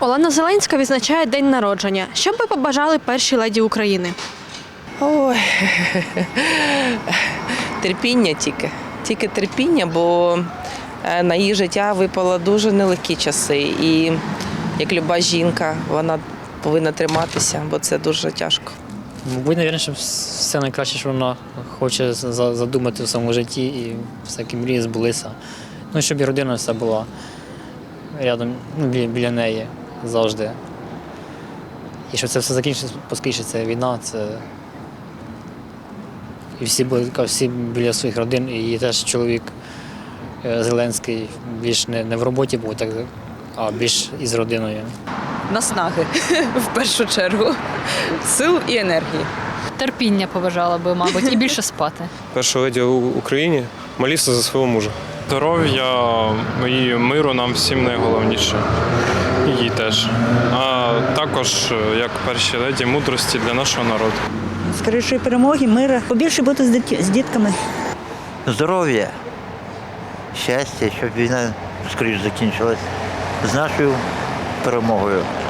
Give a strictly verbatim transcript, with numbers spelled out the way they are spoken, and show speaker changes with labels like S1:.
S1: Олена Зеленська відзначає день народження. Що б ви побажали першій леді України?
S2: Ой, терпіння тільки. Тільки терпіння, бо на її життя випало дуже нелегкі часи. І як люба жінка, вона повинна триматися, бо це дуже тяжко.
S3: Мабуть, навірно, що все найкраще, що вона хоче задумати в своєму житті і всякі мрії збулися. Ну, щоб і родина вся була рядом, ну, біля, біля неї завжди. І щоб це все закінчиться, поскінчиться ця війна, це і всі були всі біля своїх родин, і її теж чоловік Зеленський більш не, не в роботі був, так, а більш із родиною.
S4: Наснаги, в першу чергу, сил і енергії.
S5: Терпіння побажала би, мабуть, і більше спати.
S6: Перша леді в Україні моліться за свого мужа.
S7: Здоров'я і миру нам всім найголовніше. І їй теж. А також, як перші леді, мудрості для нашого народу.
S8: Скорішої перемоги, миру, побільше бути з, дит... з дітками.
S9: Здоров'я, щастя, щоб війна скоріше закінчилась з нашою перемогою.